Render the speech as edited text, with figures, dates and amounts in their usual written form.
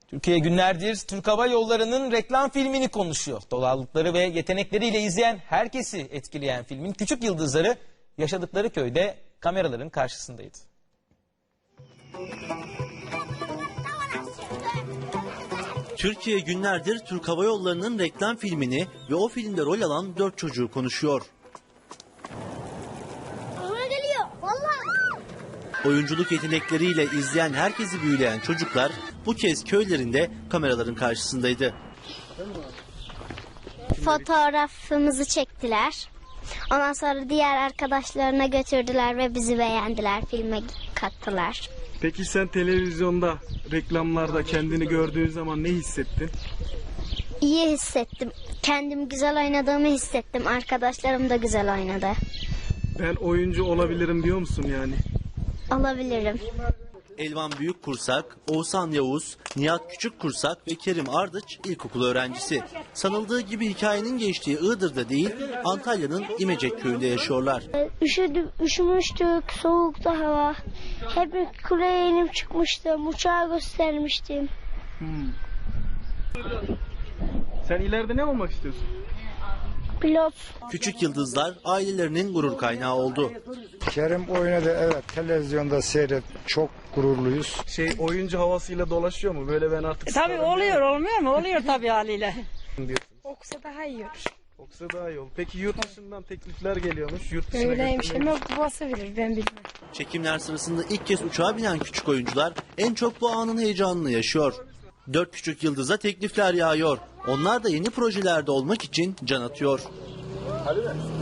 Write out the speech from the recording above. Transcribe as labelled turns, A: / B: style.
A: Türkiye günlerdir Türk Hava Yolları'nın reklam filmini konuşuyor. Doğallıkları ve yetenekleriyle izleyen herkesi etkileyen filmin küçük yıldızları yaşadıkları köyde kameraların karşısındaydı.
B: Türkiye günlerdir Türk Hava Yolları'nın reklam filmini ve o filmde rol alan 4 çocuğu konuşuyor. Oyunculuk yetenekleriyle izleyen herkesi büyüleyen çocuklar bu kez köylerinde kameraların karşısındaydı.
C: Fotoğrafımızı çektiler. Ondan sonra diğer arkadaşlarına götürdüler ve bizi beğendiler. Filme kattılar.
D: Peki sen televizyonda, reklamlarda kendini gördüğün zaman ne hissettin?
C: İyi hissettim. Kendim güzel oynadığımı hissettim. Arkadaşlarım da güzel oynadı.
D: Ben oyuncu olabilirim diyor musun yani?
C: Olabilirim.
B: Elvan Büyükkursak, Oğuzhan Yavuz, Nihat Küçükkursak ve Kerim Ardıç ilkokul öğrencisi. Sanıldığı gibi hikayenin geçtiği Iğdır'da değil, Antalya'nın İmecek köyünde yaşıyorlar.
C: Üşümüştük, soğukta hava. Hep kuleye inip çıkmıştım, uçağı göstermiştim.
D: Sen ileride ne olmak istiyorsun?
C: Pilot.
B: Küçük yıldızlar ailelerinin gurur kaynağı oldu.
E: Kerim oynadı, evet, televizyonda seyret, çok gururluyuz.
D: Oyuncu havasıyla dolaşıyor mu? Böyle ben artık...
F: Tabii oluyor, olmuyor mu? Oluyor tabii haliyle.
C: Okusa daha iyi olur.
D: Okusa daha iyi olur. Peki yurt dışından teklifler geliyormuş. Yurt dışına
C: Öyleymiş
D: götürmeyi-
C: ama babası bilir, ben bilmem.
B: Çekimler sırasında ilk kez uçağa binen küçük oyuncular en çok bu anın heyecanını yaşıyor. 4 küçük yıldıza teklifler yağıyor. Onlar da yeni projelerde olmak için can atıyor.
D: Hadi be.